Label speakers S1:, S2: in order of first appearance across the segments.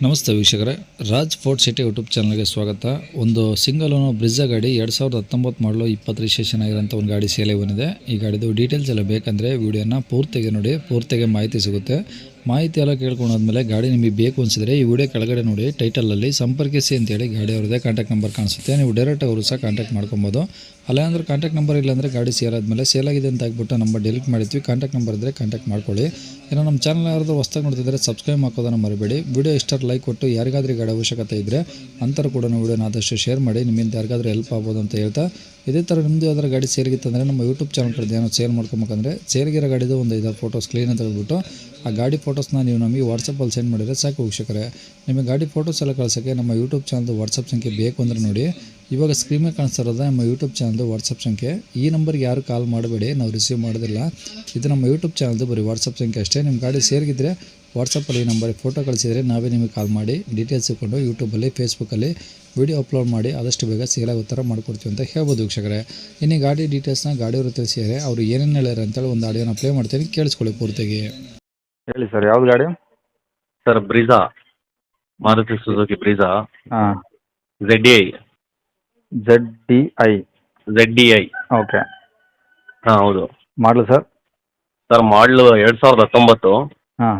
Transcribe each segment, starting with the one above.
S1: ನಮಸ್ತೆ ವೀಕ್ಷಕರೇ, Raj fort city YouTube ಚಾನಲ್ಗೆ ಸ್ವಾಗತ. ಒಂದು ಸಿಂಗಲ್ ಓನರ್ ಬ್ರಿಜಾ ಗಾಡಿ 2019 ಮಾಡಲು 20 ರಿಜಿಸ್ಟ್ರೇಷನ್ ಆಗಿರೋಂಥ ಒಂದು ಗಾಡಿ ಸೇಲೆ ಬಂದಿದೆ. ಈ ಗಾಡಿದು ಡೀಟೇಲ್ಸ್ ಎಲ್ಲ ಬೇಕಂದರೆ ವಿಡಿಯೋನ ಪೂರ್ತಿಗೆ ನೋಡಿ, ಪೂರ್ತಿಗೆ ಮಾಹಿತಿ ಸಿಗುತ್ತೆ. ಮಾಹಿತಿ ಎಲ್ಲ ಕೇಳ್ಕೊಂಡಾದ್ಮೇಲೆ ಗಾಡಿ ನಿಮಗೆ ಬೇಕು ಅನಿಸಿದ್ರೆ ಈ ವಿಡಿಯೋ ಕೆಳಗಡೆ ನೋಡಿ ಟೈಟಲಲ್ಲಿ ಸಂಪರ್ಕಿಸಿ ಅಂತೇಳಿ ಗಾಡಿ ಅವ್ರದ್ದೇ ಕಾಂಟ್ಯಾಕ್ಟ್ ನಂಬರ್ ಕಾಣಿಸುತ್ತೆ. ನೀವು ಡೈರೆಕ್ಟ್ ಅವರು ಸಹ ಕಾಂಟ್ಯಾಕ್ಟ್ ಮಾಡ್ಕೊಬೋದು. ಅಲ್ಲಾಂದ್ರೆ ಕಾಂಟ್ಯಾಕ್ಟ್ ನಂಬರ್ ಇಲ್ಲಾಂದರೆ ಗಾಡಿ ಸೇಲ್ ಆದಮೇಲೆ ಸೇಲ್ ಆಗಿದೆ ಅಂತ ಆಗ್ಬಿಟ್ಟು ನಂಬರ್ ಡಿಲೀಟ್ ಮಾಡಿದ್ವಿ. ಕಾಂಟ್ಯಾಕ್ಟ್ ನಂಬರ್ ಇದ್ದರೆ ಕಾಂಟ್ಯಾಕ್ಟ್ ಮಾಡ್ಕೊಳ್ಳಿ. ಏನೋ ನಮ್ಮ ಚಾನಲ್ ಯಾರಾದರೂ ಹೊಸ್ದಾಗಿ ನೋಡ್ತಿದ್ರೆ ಸಬ್ಸ್ಕ್ರೈಬ್ ಹಾಕೋದನ್ನು ಮರಿಬೇಡಿ. ವಿಡಿಯೋ ಇಷ್ಟ ಲೈಕ್ ಕೊಟ್ಟು ಯಾರಿಗಾದ್ರೂ ಗಾಡಿ ಅವಶ್ಯಕತೆ ಇದ್ದರೆ ಅಂಥವ್ರು ಕೂಡ ವಿಡಿಯೋನ ಆದಷ್ಟು ಶೇರ್ ಮಾಡಿ, ನಿಮ್ಮಿಂದ ಯಾರಿಗಾದ್ರೂ ಹೆಲ್ಪ್ ಆಗ್ಬೋದು ಅಂತ ಹೇಳ್ತಾ, ಇದೇ ಥರ ನಿಮ್ಮದು ಯಾವ್ದಾರು ಗಾಡಿ ಸೇಲ್ಗಿತ್ತಂದರೆ ನಮ್ಮ ಯೂಟ್ಯೂಬ್ ಚಾನಲ್ ಕಡೆ ಏನೋ ಸೇಲ್ ಮಾಡ್ಕೊಬೇಕಂದ್ರೆ ಸೇಲ್ಗಿರೋ ಗಾಡಿದು ಒಂದು 5 ಫೋಟೋಸ್ ಕ್ಲೀನಾಗಿ ತೆಗೆದುಬಿಟ್ಟು ಆ ಗಾಡಿ ಫೋಟೋಸ್ನ ನೀವು ನಮಗೆ ವಾಟ್ಸಪ್ಪಲ್ಲಿ ಸೆಂಡ್ ಮಾಡಿದರೆ ಸಾಕು ವೀಕ್ಷಕರೇ. ನಿಮಗೆ ಗಾಡಿ ಫೋಟೋಸ್ ಎಲ್ಲ ಕಳ್ಸೋಕ್ಕೆ ನಮ್ಮ ಯೂಟ್ಯೂಬ್ ಚಾನಲ್ದು ವಾಟ್ಸಪ್ ಸಂಖ್ಯೆ ಬೇಕು ಅಂದರೆ ನೋಡಿ, ಇವಾಗ ಸ್ಕ್ರೀನ್ ಮೇಲೆ ಕಾಣಿಸ್ತಾ ಇರೋದು ನಮ್ಮ ಯೂಟ್ಯೂಬ್ ಚಾನಲ್ದು ವಾಟ್ಸಪ್ ಸಂಖ್ಯೆ. ಈ ನಂಬರ್ಗೆ ಯಾರು ಕಾಲ್ ಮಾಡಬೇಡಿ, ನಾವು ರಿಸೀವ್ ಮಾಡೋದಿಲ್ಲ. ಇದು ನಮ್ಮ ಯೂಟ್ಯೂಬ್ ಚಾನಲ್ದು ಬರೀ ವಾಟ್ಸಪ್ ಸಂಖ್ಯೆ ಅಷ್ಟೇ. ನಿಮ್ಮ ಗಾಡಿ ಸೇಲ್ಗಿದ್ರೆ ವಾಟ್ಸಪ್ಪಲ್ಲಿ ಈ ನಂಬರಿಗೆ ಫೋಟೋ ಕಳಿಸಿದರೆ ನಾವೇ ನಿಮಗೆ ಕಾಲ್ ಮಾಡಿ ಡೀಟೇಲ್ಸ್ ಇಟ್ಕೊಂಡು ಯೂಟ್ಯೂಬಲ್ಲಿ ಫೇಸ್ಬುಕ್ಕಲ್ಲಿ ವಿಡಿಯೋ ಅಪ್ಲೋಡ್ ಮಾಡಿ ಆದಷ್ಟು ಬೇಗ ಸೇಲಾಗೋ ಥರ ಮಾಡ್ಕೊಡ್ತೀವಿ ಅಂತ ಹೇಳ್ಬೋದು ವೀಕ್ಷಕರೇ. ಇನ್ನು ಗಾಡಿ ಡೀಟೇಲ್ಸ್ನ ಗಾಡಿಯವರು ತಿಳಿಸಿದರೆ ಅವರು ಏನೇನು ಹೇಳ್ಯಾರ ಅಂತೇಳಿ ಒಂದು ಆಡಿಯೋನ ಪ್ಲೇ ಮಾಡ್ತೀನಿ, ಕೇಳಿಸ್ಕೊಳ್ಳಿ ಪೂರ್ತಿಗೆ.
S2: ಹೇಳಿ ಸರ್, ಯಾವ್ದು ಗಾಡಿ?
S3: Sir Brezza, Maruti Suzuki Brezza.
S2: ಹಾಂ,
S3: ZDI.
S2: ZDI. ಓಕೆ.
S3: ಹಾಂ ಹೌದು.
S2: ಮಾಡಲು ಸರ್?
S3: ಸರ್ ಮಾಡಲು 2019.
S2: ಹಾಂ.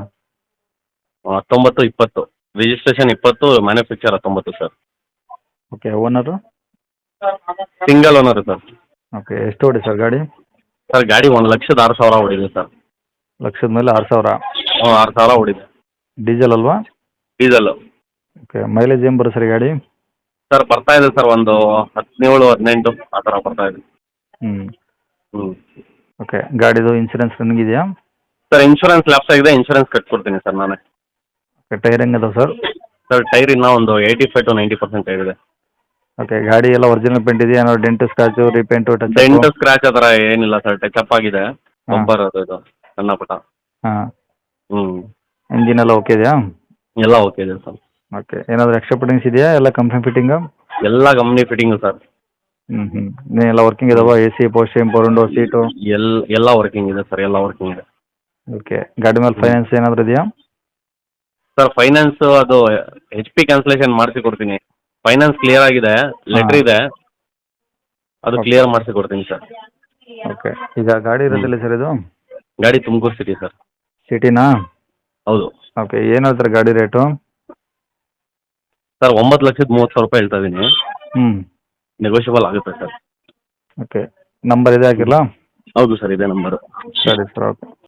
S3: 19-20 registration 20, manufacture 19 sir.
S2: Okay. Owner?
S3: Single owner sir.
S2: Okay. ಎಷ್ಟು ಓಡಿ ಸರ್ ಗಾಡಿ?
S3: ಸರ್ ಗಾಡಿ 1,06,000 ಓಡಿದೆ ಸರ್.
S2: ಲಕ್ಷದ ಮೇಲೆ 6,000?
S3: ಹ್ಞೂ 6,000 ಓಡಿದೆ.
S2: ಡೀಸೆಲ್ ಅಲ್ವಾ?
S3: ಡೀಸೆಲ್ಲು.
S2: ಓಕೆ. ಮೈಲೇಜ್ ಏನು ಬರುತ್ತೆ ಸರ್ ಗಾಡಿ?
S3: ಸರ್ ಬರ್ತಾ ಇದೆ ಸರ್, ಒಂದು 17-18 ಆ ಥರ ಬರ್ತಾ ಇದೆ.
S2: ಹ್ಞೂ. ಓಕೆ. ಗಾಡಿದು ಇನ್ಸೂರೆನ್ಸ್ ರನ್ನಿಂಗ್ ಇದೆಯಾ?
S3: ಸರ್ ಇನ್ಶೂರೆನ್ಸ್ ಲ್ಯಾಪ್ಸ್ ಆಗಿದೆ, ಇನ್ಶೂರೆನ್ಸ್ ಕಟ್ಕೊಡ್ತೀನಿ ಸರ್ ನಾನೇ.
S2: ಓಕೆ. ಟೈರ್ ಹೆಂಗದಾವೆ ಸರ್?
S3: ಸರ್ ಟೈರ್ ಇನ್ನೂ ಒಂದು 85-90% ಟೈರ್ ಇದೆ.
S2: ಓಕೆ. ಗಾಡಿ ಎಲ್ಲ ಒರಿಜಿನಲ್ ಪೇಂಟ್ ಇದೆಯಾ? ಏನೋ dent, scratch, repaint,
S3: dent scratch ಆ ಥರ ಏನಿಲ್ಲ ಸರ್, ಟಚ್ ಆಗಿದೆ. ಬಂಪರ್ ಅದು ಇದು ಸಣ್ಣ ಪುಟ್ಟ.
S2: ಹಾಂ.
S3: ಹ್ಞೂ.
S2: ಇಂಜಿನ್ ಎಲ್ಲ ಓಕೆ ಇದೆಯಾ?
S3: ಎಲ್ಲ ಓಕೆ ಇದೆ ಸರ್.
S2: ಓಕೆ. ಏನಾದರೂ ಎಕ್ಸ್ಟ್ರಾ ಫಿಟ್ಟಿಂಗ್ಸ್ ಇದೆಯಾ? ಎಲ್ಲ ಕಂಪ್ನಿ ಫಿಟ್ಟಿಂಗು?
S3: ಎಲ್ಲ ಕಂಪ್ನಿ ಫಿಟ್ಟಿಂಗು ಸರ್.
S2: ಎಲ್ಲ ವರ್ಕಿಂಗ್ ಇದಾವ? ಎ ಸಿ, ಪೋಸ್ಟ್, ಪೋರುಂಡು, ಸೀಟು?
S3: ಎಲ್ಲ ವರ್ಕಿಂಗ್ ಇದೆ ಸರ್, ಎಲ್ಲ ವರ್ಕಿಂಗ್ ಇದೆ.
S2: ಓಕೆ. ಗಾಡಿ ಮೇಲೆ ಫೈನಾನ್ಸ್ ಏನಾದರೂ ಇದೆಯಾ?
S3: ಸರ್ ಫೈನಾನ್ಸ್ ಅದು HP ಕ್ಯಾನ್ಸಲೇಷನ್ ಮಾಡಿಸಿ ಕೊಡ್ತೀನಿ. ಫೈನಾನ್ಸ್ ಕ್ಲಿಯರ್ ಆಗಿದೆ, ಲೆಟ್ರ್ ಇದೆ, ಅದು ಕ್ಲಿಯರ್ ಮಾಡಿಸಿ ಕೊಡ್ತೀನಿ ಸರ್.
S2: ಓಕೆ. ಈಗ ಗಾಡಿ ಇರೋದಿಲ್ಲ ಸರ್ ಇದು?
S3: ಗಾಡಿ ತುಮಕೂರು ಸಿಟಿ ಸರ್.
S2: ಸಿಟಿನಾ?
S3: ಹೌದು.
S2: ಓಕೆ. ಏನು ಹೇಳ್ತಾರೆ ಗಾಡಿ ರೇಟು?
S3: ಸರ್ 9,30,000 ಹೇಳ್ತಾ ಇದ್ದೀನಿ. ನೆಗೋಷಿಯಬಲ್ ಆಗುತ್ತೆ ಸರ್.
S2: ಓಕೆ. ನಂಬರ್ ಇದೆ ಹಾಕಿರಲಾ?
S3: ಹೌದು ಸರ್, ಇದೇ ನಂಬರು.
S2: ಸರಿ ಸರ್, ಓಕೆ.